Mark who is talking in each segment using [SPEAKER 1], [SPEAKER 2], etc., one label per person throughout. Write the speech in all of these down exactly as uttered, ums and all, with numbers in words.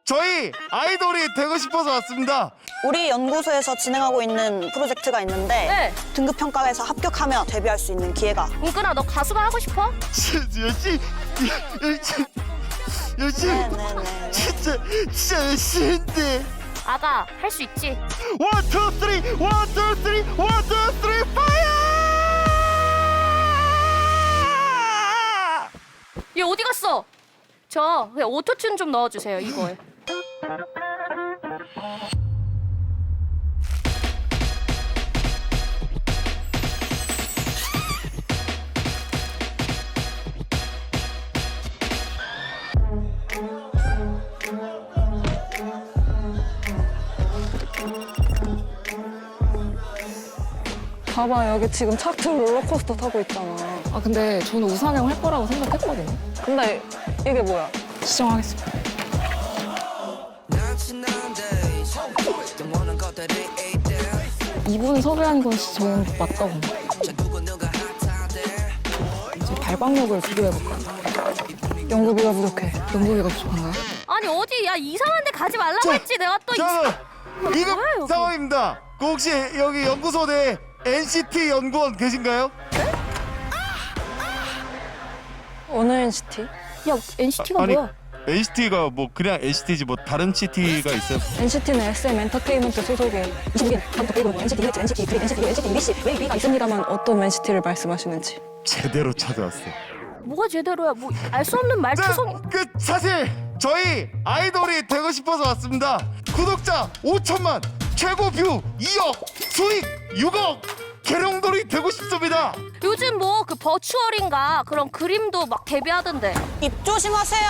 [SPEAKER 1] 저희 아이돌이 되고 싶어서 왔습니다.
[SPEAKER 2] 우리 연구소에서 진행하고 있는 프로젝트가 있는데
[SPEAKER 3] 네.
[SPEAKER 2] 등급 평가에서 합격하면 데뷔할 수 있는 기회가.
[SPEAKER 3] 은근아, 너 가수가 하고 싶어?
[SPEAKER 1] 열심히 열심히 열심히
[SPEAKER 2] 네네네.
[SPEAKER 1] 진짜 진짜 열심히인데.
[SPEAKER 3] 아가, 할 수 있지.
[SPEAKER 1] 원, 투, 쓰리, 원, 투, 쓰리, 원, 투, 쓰리, 파이어!
[SPEAKER 3] 얘 어디 갔어? 저 그냥 오토튠 좀 넣어주세요, 이거에.
[SPEAKER 4] 봐봐, 여기 지금 차트 롤러코스터 타고 있잖아.
[SPEAKER 5] 아 근데 저는 우상향 할 거라고 생각했거든요.
[SPEAKER 4] 근데 이게 뭐야?
[SPEAKER 5] 시정하겠습니다. 이분 섭외한 건 저는 맞다고 봅니다. 이제 발광력을 비교해볼까요?
[SPEAKER 4] 연구비가 부족해.
[SPEAKER 5] 연구비가 부족한가요?
[SPEAKER 3] 아니 어디, 야 이상한 데 가지 말라고 했지. 내가 또 이...
[SPEAKER 1] 자, 이거
[SPEAKER 3] 뭐야, 여기?
[SPEAKER 1] 상황입니다. 그 혹시 여기 연구소 내 엔시티 연구원 계신가요?
[SPEAKER 4] 어느 엔시티?
[SPEAKER 3] 야, 엔시티가
[SPEAKER 1] 아니,
[SPEAKER 3] 뭐야?
[SPEAKER 1] 엔시티가 뭐 그냥 엔시티지 뭐 다른 시티가 있어요?
[SPEAKER 4] 엔시티는 에스엠 엔터테인먼트 소속의 이십일 감독 그리고 엔시티 엑스, 엔시티 V, 엔시티 U, 엔시티 엠비씨, 웨이비가 있습니다만 어떤 엔시티를 말씀하시는지.
[SPEAKER 1] 제대로 찾아왔어.
[SPEAKER 3] 뭐가 제대로야? 뭐 알 수 없는 말투성이.
[SPEAKER 1] 자, 그 사실 저희 아이돌이 되고 싶어서 왔습니다. 구독자 오천만, 최고 뷰 이억, 수익 육억, 계룡돌이 되고 싶습니다.
[SPEAKER 3] 요즘 뭐 그 버추얼인가 그런 그림도 막 데뷔하던데.
[SPEAKER 2] 입 조심하세요.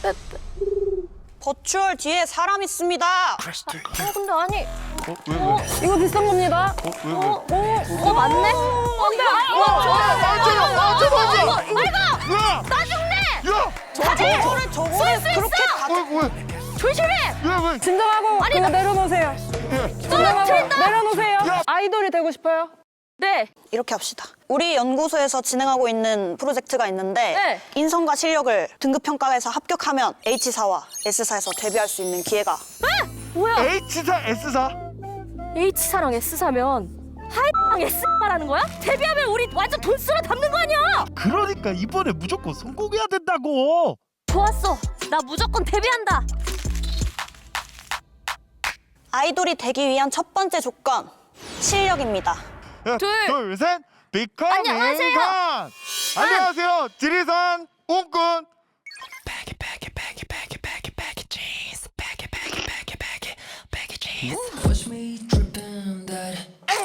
[SPEAKER 2] 버추얼 뒤에 사람 있습니다.
[SPEAKER 3] 어 근데 아니,
[SPEAKER 1] 어? 왜 왜?
[SPEAKER 4] 이거 비싼 겁니다.
[SPEAKER 1] 어? 왜 왜?
[SPEAKER 3] 어, 어 맞네? 어 근데 아니, 이거 좋아.
[SPEAKER 1] 맞아, 맞아, 맞아.
[SPEAKER 3] 이거 이거 이거
[SPEAKER 1] 야!
[SPEAKER 3] 나 죽네.
[SPEAKER 1] 야!
[SPEAKER 2] 저 저거를 저거를
[SPEAKER 3] 쓸수
[SPEAKER 2] 그렇게
[SPEAKER 3] 있어.
[SPEAKER 2] 가.
[SPEAKER 1] 왜 왜?
[SPEAKER 3] 조심해.
[SPEAKER 1] 왜 왜?
[SPEAKER 4] 진정하고
[SPEAKER 3] 아니,
[SPEAKER 4] 그거
[SPEAKER 3] 나-
[SPEAKER 4] 내려놓으세요.
[SPEAKER 1] 예.
[SPEAKER 3] 떨어뜨린다.
[SPEAKER 4] 내려놓으세요.
[SPEAKER 1] 야!
[SPEAKER 4] 아이돌이 되고 싶어요?
[SPEAKER 3] 네.
[SPEAKER 2] 이렇게 합시다. 우리 연구소에서 진행하고 있는 프로젝트가 있는데
[SPEAKER 3] 네.
[SPEAKER 2] 인성과 실력을 등급 평가에서 합격하면 H사와 S사에서 데뷔할 수 있는 기회가.
[SPEAKER 3] 뭐야?
[SPEAKER 1] H사, S사?
[SPEAKER 3] H사랑 S사면 하이랑 S사라는 거야? 데뷔하면 우리 완전 돈 쓸어 담는 거 아니야?
[SPEAKER 1] 그러니까 이번에 무조건 성공해야 된다고.
[SPEAKER 3] 좋았어. 나 무조건 데뷔한다.
[SPEAKER 2] 아이돌이 되기 위한 첫 번째 조건 실력입니다.
[SPEAKER 1] 야,
[SPEAKER 3] 둘.
[SPEAKER 1] 둘, 셋. 비커밍
[SPEAKER 3] 안녕하세요.
[SPEAKER 1] 건. 안녕하세요. 지리산 웅꾼.
[SPEAKER 6] Watch me dripping that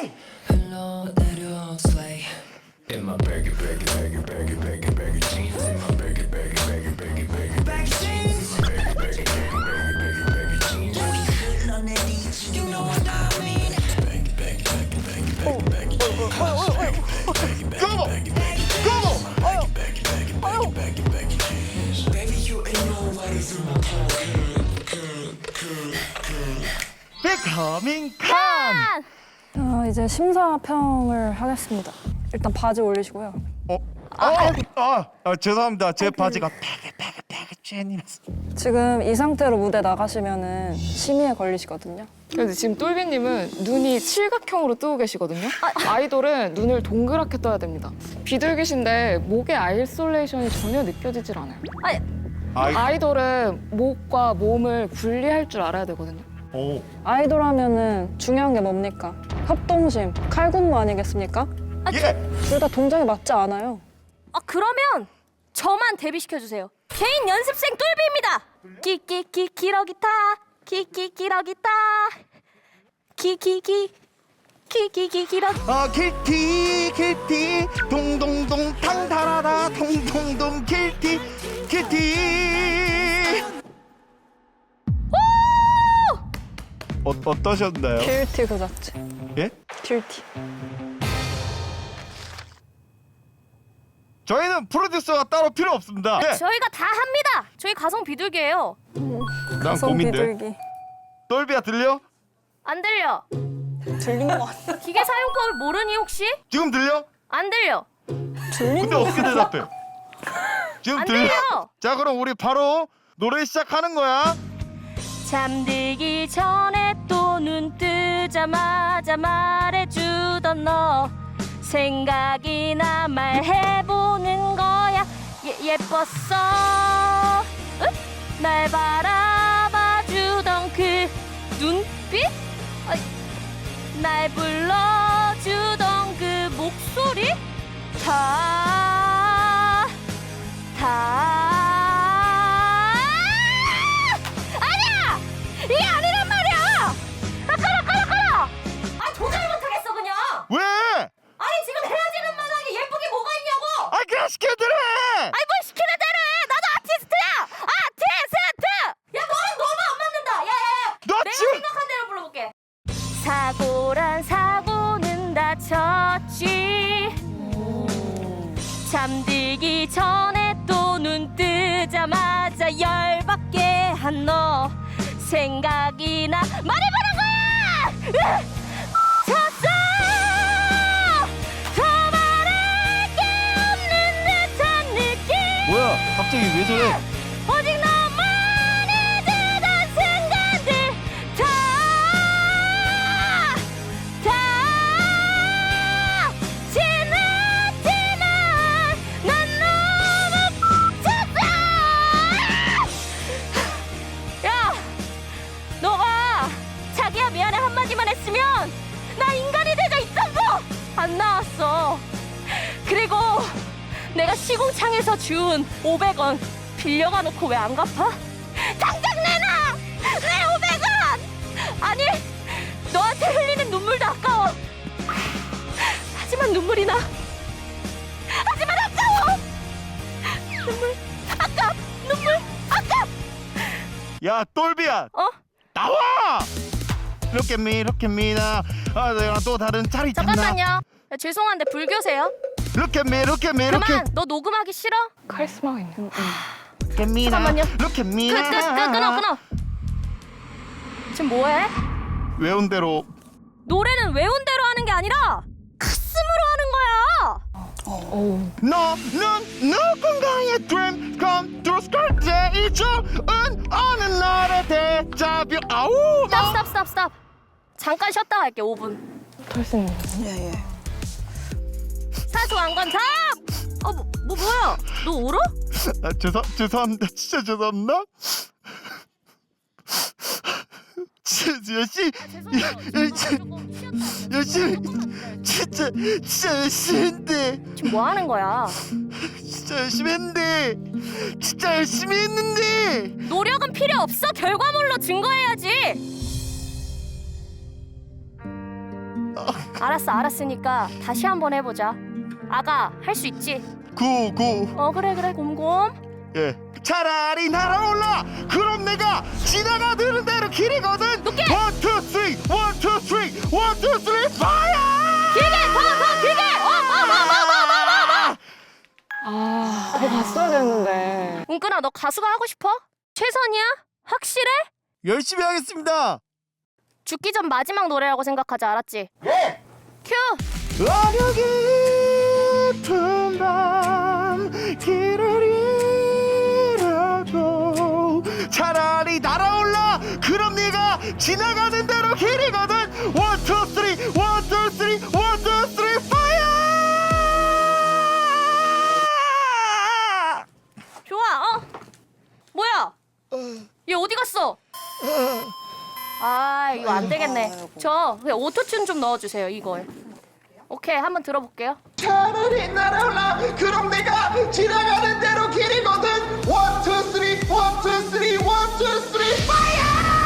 [SPEAKER 6] 흘러내려 slay in my baggy baggy baggy baggy baggy baggy jeans in my baggy baggy baggy baggy baggy baggy jeans in my baggy baggy baggy baggy baggy baggy jeans 흘러내리지 you know what I mean baggy baggy baggy baggy baggy baggy jeans baggy baggy
[SPEAKER 1] 고고!
[SPEAKER 6] baggy baggy
[SPEAKER 1] 고고!
[SPEAKER 6] baggy baggy baggy baggy baggy baggy jeans baby you ain't know what is in my pocket
[SPEAKER 1] 비커밍 건.
[SPEAKER 3] 아,
[SPEAKER 4] 어, 이제 심사평을 하겠습니다. 일단 바지 올리시고요.
[SPEAKER 1] 어? 아, 아, 아, 죄송합니다. 제 바지가 패기 패기 패기 찐이라서.
[SPEAKER 4] 지금 이 상태로 무대 나가시면은 심의에 걸리시거든요.
[SPEAKER 5] 그래서 지금 똘비님은 눈이 칠각형으로 뜨고 계시거든요. 아이돌은 눈을 동그랗게 떠야 됩니다. 비둘기신데 목의 아이솔레이션이 전혀 느껴지질 않아요.
[SPEAKER 3] 아니,
[SPEAKER 1] 아이,
[SPEAKER 5] 아이돌은 목과 몸을 분리할 줄 알아야 되거든요.
[SPEAKER 1] 오.
[SPEAKER 4] 아이돌 하면은 중요한 게 뭡니까? 협동심, 칼군무 아니겠습니까?
[SPEAKER 1] 예.
[SPEAKER 4] 둘 다 동작이 맞지 않아요.
[SPEAKER 3] 아 그러면 저만 데뷔시켜 주세요. 개인 연습생 똘비입니다. 끼끼끼 기러기타, 끼끼 기러기타, 끼끼끼 끼끼끼 기러기.
[SPEAKER 1] 아, 킬티 킬티 동동동 탕타라라 동동동 킬티 킬티. 어, 어떠셨나요?
[SPEAKER 4] 딜티 그 자체.
[SPEAKER 1] 예?
[SPEAKER 4] 딜티.
[SPEAKER 1] 저희는 프로듀서가 따로 필요 없습니다. 예.
[SPEAKER 3] 저희가 다 합니다. 저희 가성 비둘기예요.
[SPEAKER 1] 난
[SPEAKER 4] 가성
[SPEAKER 1] 고민돼.
[SPEAKER 4] 비둘기.
[SPEAKER 1] 똘비야 들려?
[SPEAKER 3] 안 들려.
[SPEAKER 2] 들린 거 같아.
[SPEAKER 3] 기계 사용법을 모르니 혹시?
[SPEAKER 1] 지금 들려?
[SPEAKER 3] 안 들려.
[SPEAKER 1] 근데 어떻게 대답해? 지금
[SPEAKER 3] 안
[SPEAKER 1] 들려?
[SPEAKER 3] 들려.
[SPEAKER 1] 자, 그럼 우리 바로 노래 시작하는 거야.
[SPEAKER 3] 잠들기 전에 또 눈 뜨자마자 말해주던 너 생각이나 말해보는 거야. 예, 예뻤어. 응? 날 바라봐주던 그 눈빛? 어이, 날 불러주던 그 목소리? 다, 다 아니야! 이게 아니란 말이야! 아, 끊어, 끊어, 끊어! 아, 도저히 못하겠어, 그냥!
[SPEAKER 1] 왜?
[SPEAKER 3] 아니, 지금 헤어지는 마당에 예쁘게 뭐가 있냐고!
[SPEAKER 1] 아 그냥 시켜야 되래.
[SPEAKER 3] 아니, 뭘 시키는 대로 해! 나도 아티스트야! 아티스트! 야, 너는 너무 안 맞는다! 야, 야, 야!
[SPEAKER 1] 너
[SPEAKER 3] 내가
[SPEAKER 1] 지금
[SPEAKER 3] 생각한 대로 불러볼게. 사고란 사고는 다쳤지. 잠들기 전에 또 눈 뜨자마자 열받게 한 너 생각이나 말해보는 거야! 으악! 졌어! 더 말할 게 없는 듯한 느낌.
[SPEAKER 1] 뭐야? 갑자기 왜 저래?
[SPEAKER 3] 오직 너만이 되던 순간들 다, 다 지났지만 난 너무 벅찼어. 야, 너가 자기야 미안해 한마디만 했으면 나 인간이 되자 있던 거 안 나왔어. 그리고 내가 시공창에서 준 오백 원 빌려가 놓고 왜 안 갚아? 당장 내놔! 내 오백 원! 아니, 너한테 흘리는 눈물도 아까워. 하지만 눈물이 나. 하지만 아까워! 눈물, 아깝! 눈물, 아깝!
[SPEAKER 1] 야 똘비야
[SPEAKER 3] 어?
[SPEAKER 1] 나와. 이렇게 미 이렇게 미나. 아 내가 또 다른 자리 있나?
[SPEAKER 3] 잠깐만요. 야, 죄송한데 불교세요?
[SPEAKER 1] 이렇게 미 이렇게 미 이렇게
[SPEAKER 3] 그만! 너 녹음하기 싫어?
[SPEAKER 5] 카리스마가 있는.
[SPEAKER 1] 이렇게 미나.
[SPEAKER 3] 잠깐만요.
[SPEAKER 1] 이렇게
[SPEAKER 3] 끄,
[SPEAKER 1] 미나.
[SPEAKER 3] 끄, 끄, 끊어, 끊어! 지금 뭐해?
[SPEAKER 1] 외운 대로.
[SPEAKER 3] 노래는 외운 대로 하는 게 아니라 가슴으로 하는 거야!
[SPEAKER 5] 오.
[SPEAKER 1] 너는 누군가의 dream come true 스컬제이 좋은 어느 날의 데자뷰. 아우.
[SPEAKER 3] 스탑 스탑 스탑 스탑. 잠깐 쉬었다 갈게 오 분.
[SPEAKER 5] 털슨.
[SPEAKER 2] 예, 예.
[SPEAKER 3] 사소한 건 참! 어, 뭐, 뭐 뭐야? 너 울어?
[SPEAKER 1] 아, 죄송 죄송합니다. 진짜 죄송합니다. 진짜 열심히
[SPEAKER 3] 아, 죄송해요.
[SPEAKER 1] 열심히
[SPEAKER 3] 조금 쉬었다.
[SPEAKER 1] 열심히 진짜 진짜 열심히 했는데
[SPEAKER 3] 지금 뭐 하는 거야?
[SPEAKER 1] 진짜 열심히 했는데 진짜 열심히 했는데
[SPEAKER 3] 노력은 필요 없어. 결과물로 증거해야지. 알았어, 알았으니까 다시 한번 해보자. 아가, 할 수 있지?
[SPEAKER 1] 구구
[SPEAKER 3] 어, 그래, 그래, 곰곰.
[SPEAKER 1] 예 차라리 날아올라. 그럼 내가 지나가는 대로 길이거든.
[SPEAKER 3] 높게!
[SPEAKER 1] 원, 투, 쓰리, 원, 투, 쓰리, 원, 투, 쓰리, 파이어!
[SPEAKER 3] 길게, 더, 더, 길게! 어, 어, 어, 어, 어, 어, 어.
[SPEAKER 5] 아, 그거 봤어야 되는데.
[SPEAKER 3] 운근아, 너 가수가 하고 싶어? 최선이야? 확실해?
[SPEAKER 1] 열심히 하겠습니다.
[SPEAKER 3] 죽기 전 마지막 노래라고 생각하지, 알았지?
[SPEAKER 1] 예!
[SPEAKER 3] 큐!
[SPEAKER 1] 어려 깊은 밤 길을 잃어도 차라리 날아올라. 그럼 네가 지나가는 대로 길이거든. 원, 투, 쓰리, 원, 투, 쓰리, 원, 투, 쓰리, 파이어!
[SPEAKER 3] 좋아, 어? 뭐야? 얘 어디 갔어? 아, 이거 안 되겠네. 저 그냥 오토튠 좀 넣어주세요, 이거에. 오케이, 한번 들어볼게요.
[SPEAKER 1] 차라리 날아올라. 그럼 내가 지나가는 대로 길이거든. 원, 투, 쓰리, 원, 투, 쓰리, 원, 투, 쓰리, 파이어!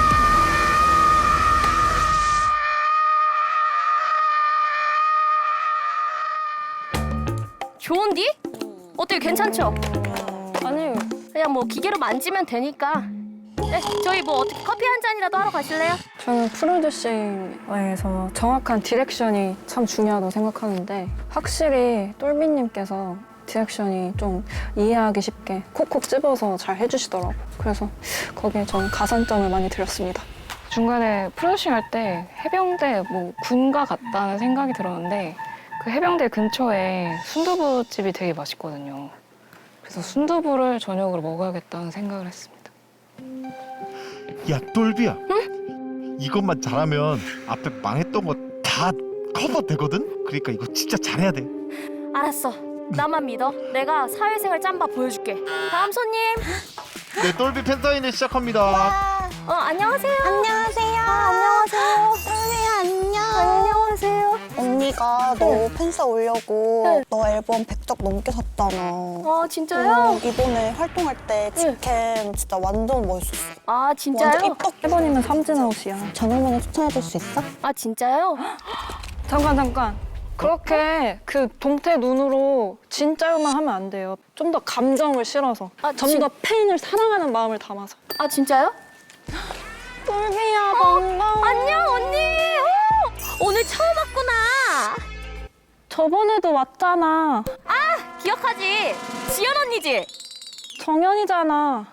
[SPEAKER 3] 좋은디? 어때요, 괜찮죠?
[SPEAKER 4] 아니
[SPEAKER 3] 그냥 뭐 기계로 만지면 되니까. 네, 저희 뭐 어떻게 커피 한 잔이라도 하러 가실래요?
[SPEAKER 4] 저는 프로듀싱에서 정확한 디렉션이 참 중요하다고 생각하는데 확실히 똘비님께서 디렉션이 좀 이해하기 쉽게 콕콕 집어서 잘 해주시더라고요. 그래서 거기에 저는 가산점을 많이 드렸습니다.
[SPEAKER 5] 중간에 프로듀싱 할 때 해병대 뭐 군가 같다는 생각이 들었는데 그 해병대 근처에 순두부집이 되게 맛있거든요. 그래서 순두부를 저녁으로 먹어야겠다는 생각을 했습니다.
[SPEAKER 1] 야 똘비야. 응? 이것만 잘하면 앞에 망했던 거 다 커버 되거든. 그러니까 이거 진짜 잘해야 돼.
[SPEAKER 3] 알았어. 나만 믿어. 내가 사회생활 짬바 보여줄게. 다음 손님.
[SPEAKER 1] 네, 똘비 팬사인회 시작합니다.
[SPEAKER 3] 어, 안녕하세요.
[SPEAKER 2] 안녕하세요.
[SPEAKER 3] 아, 안녕하세요.
[SPEAKER 2] 똘비야 안녕.
[SPEAKER 3] 안녕하세요.
[SPEAKER 2] 언니가 너 팬싸 오려고
[SPEAKER 3] 네.
[SPEAKER 2] 너 앨범 백 적 넘게 샀잖아.
[SPEAKER 3] 어, 진짜요?
[SPEAKER 2] 응, 이번에 활동할 때 직캠 진짜 완전 멋있었어.
[SPEAKER 3] 아,
[SPEAKER 2] 완전
[SPEAKER 3] 진짜요?
[SPEAKER 2] 입덕.
[SPEAKER 4] 일 번이면 삼진아웃이야.
[SPEAKER 2] 전화번호 추천해줄 수 있어?
[SPEAKER 3] 아, 진짜요?
[SPEAKER 4] 잠깐 잠깐. 그렇게 그 동태 눈으로 진짜요만 하면 안 돼요. 좀 더 감정을 실어서,
[SPEAKER 3] 아,
[SPEAKER 4] 좀
[SPEAKER 3] 진-
[SPEAKER 4] 더 팬을 사랑하는 마음을 담아서.
[SPEAKER 3] 아, 진짜요?
[SPEAKER 4] 똘비야 반가워.
[SPEAKER 3] 안녕, 언니. 오, 오늘 처음 왔구나.
[SPEAKER 4] 저번에도 왔잖아.
[SPEAKER 3] 아, 기억하지? 지연 언니지?
[SPEAKER 4] 정연이잖아.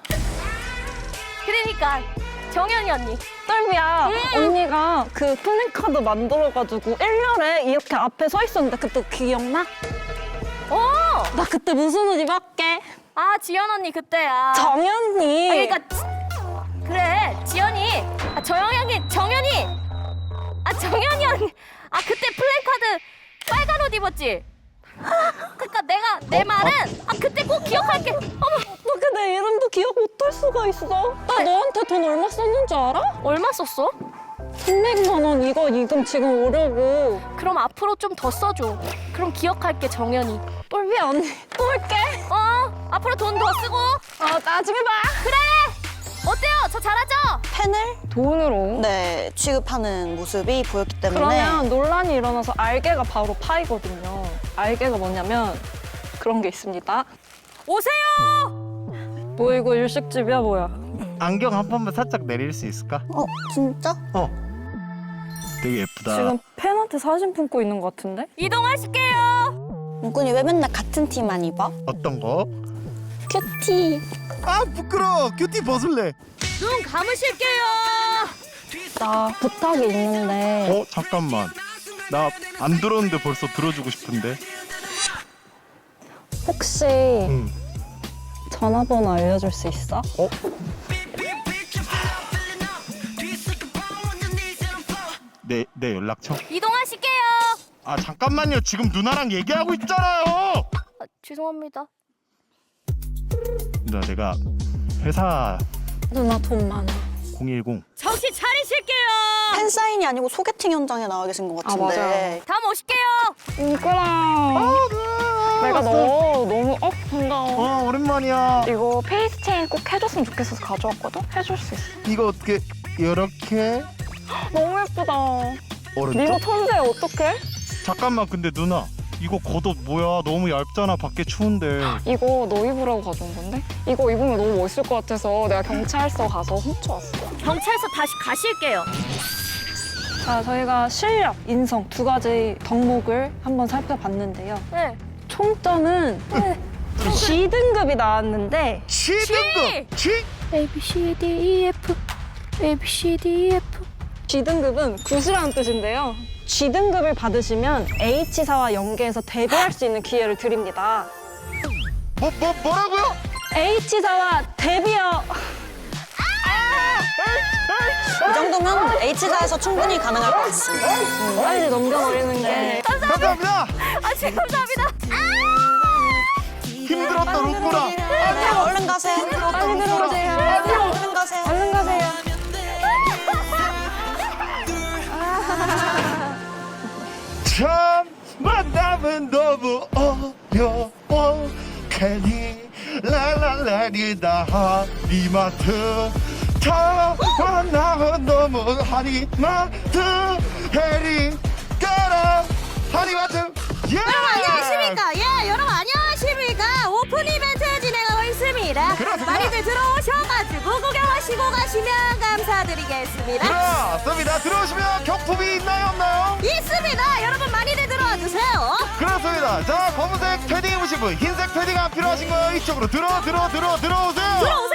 [SPEAKER 3] 그러니까 정연이 언니.
[SPEAKER 4] 똘비야,
[SPEAKER 3] 음.
[SPEAKER 4] 언니가 그 플랜카드 만들어가지고 일렬에 이렇게 앞에 서 있었는데 그때 기억나?
[SPEAKER 3] 오!
[SPEAKER 4] 나 그때 무슨 옷 입었게?
[SPEAKER 3] 아, 지연 언니 그때야.
[SPEAKER 4] 정연이.
[SPEAKER 3] 아, 그러니까 지- 그래, 지연이. 아, 정연이, 정연이. 아, 정연이 언니. 아, 그때 플랜카드 빨간 옷 입었지? 그러니까 내가 내 말은 아, 그때 꼭 기억할게. 어머,
[SPEAKER 4] 어떻게 내 이름도 기억 못할 수가 있어? 나 너한테 돈 얼마 썼는 줄 알아?
[SPEAKER 3] 얼마 썼어?
[SPEAKER 4] 삼백만 원 이거 이금 지금 오려고.
[SPEAKER 3] 그럼 앞으로 좀 더 써줘. 그럼 기억할게, 정연이.
[SPEAKER 4] 똘비야 언니 또 올게.
[SPEAKER 3] 어, 앞으로 돈 더 쓰고.
[SPEAKER 4] 어 나중에 봐.
[SPEAKER 3] 그래. 어때요? 저 잘하죠?
[SPEAKER 2] 팬을
[SPEAKER 5] 돈으로.
[SPEAKER 2] 네 취급하는 모습이 보였기 때문에
[SPEAKER 4] 그러면 논란이 일어나서 알게가 바로 파이거든요. 알게가 뭐냐면 그런 게 있습니다.
[SPEAKER 3] 오세요.
[SPEAKER 4] 뭐 이거 일식집이야 뭐야?
[SPEAKER 1] 안경 한 번만 살짝 내릴 수 있을까?
[SPEAKER 2] 어 진짜?
[SPEAKER 1] 어. 되게 예쁘다.
[SPEAKER 4] 지금 팬한테 사진 품고 있는 것 같은데?
[SPEAKER 3] 이동하실게요.
[SPEAKER 2] 문근이 왜 맨날 같은 티만 입어?
[SPEAKER 1] 어떤 거?
[SPEAKER 2] 큐티.
[SPEAKER 1] 아 부끄러워. 큐티 벗을래.
[SPEAKER 3] 눈 감으실게요.
[SPEAKER 4] 나 부탁이 있는데
[SPEAKER 1] 어 잠깐만. 나 안 들었는데 벌써 들어주고 싶은데.
[SPEAKER 4] 혹시
[SPEAKER 1] 응.
[SPEAKER 4] 전화번호 알려줄 수 있어?
[SPEAKER 1] 어? 내, 내 연락처?
[SPEAKER 3] 이동하실게요.
[SPEAKER 1] 아 잠깐만요. 지금 누나랑 얘기하고 있잖아요.
[SPEAKER 3] 아, 죄송합니다.
[SPEAKER 1] 누나 내가 회사
[SPEAKER 4] 누나 돈 많아.
[SPEAKER 1] 공일공
[SPEAKER 3] 정신 차리실게요.
[SPEAKER 2] 팬 사인이 아니고 소개팅 현장에 나와 계신 것 같은데.
[SPEAKER 5] 맞아요.
[SPEAKER 3] 다음 오실게요.
[SPEAKER 4] 이거랑 내가 너 너무 어 반가워.
[SPEAKER 1] 어 오랜만이야.
[SPEAKER 4] 이거 페이스 체인 꼭 해줬으면 좋겠어서 가져왔거든? 해줄 수 있어.
[SPEAKER 1] 이거 어떻게 이렇게
[SPEAKER 4] 너무 예쁘다.
[SPEAKER 1] 오른쪽?
[SPEAKER 4] 네가 천재야 어떡해?
[SPEAKER 1] 잠깐만 근데 누나 이거 겉옷 뭐야? 너무 얇잖아. 밖에 추운데.
[SPEAKER 4] 이거 너 입으라고 가져온 건데? 이거 입으면 너무 멋있을 것 같아서 내가 경찰서 가서 훔쳐왔어.
[SPEAKER 3] 경찰서 다시 가실게요.
[SPEAKER 4] 자, 저희가 실력, 인성 두 가지 덕목을 한번 살펴봤는데요.
[SPEAKER 3] 네.
[SPEAKER 4] 총점은 G 등급이 나왔는데
[SPEAKER 1] C 등급. G?
[SPEAKER 3] A B C D E F A B C D E F.
[SPEAKER 4] G 등급은 굿이라는 뜻인데요. G 등급을 받으시면 H사와 연계해서 데뷔할 수 있는 기회를 드립니다.
[SPEAKER 1] 뭐, 뭐, 뭐라고요?
[SPEAKER 4] H사와 데뷔요.
[SPEAKER 2] 이 정도면 H사에서 충분히 가능할 것 같습니다.
[SPEAKER 4] 빨리 넘겨버리는 게.
[SPEAKER 1] 감사합니다.
[SPEAKER 3] 아, 제 감사합니다.
[SPEAKER 1] 힘들었다 루꾸라.
[SPEAKER 2] 네, 얼른 가세요.
[SPEAKER 4] 빨리 들어오세요.
[SPEAKER 2] 얼른 가세요.
[SPEAKER 4] 얼른 가세요.
[SPEAKER 1] 참 만남은 너무 어려워. 괜히 랄랄라리다 하리마트. 참 만남은 너무 하리마트. 해리 가라 하리마트. 예!
[SPEAKER 3] 여러분 안녕하십니까? 예, 여러분 안녕하십니까? 오픈 이벤트 진행하고 있습니다.
[SPEAKER 1] 그렇습니다.
[SPEAKER 3] 많이들 들어오셔가지고 구경하시고 가시면 감사드리겠습니다.
[SPEAKER 1] 그렇습니다. 들어오시면 경품이 있나요 없나요?
[SPEAKER 3] 있습니다. 여러분 많이들 들어와 주세요.
[SPEAKER 1] 그렇습니다. 자 검은색 패딩 입으신 분, 흰색 패딩 안 필요하신 거 이쪽으로 들어 들어 들어 들어오세요.
[SPEAKER 3] 들어오세요.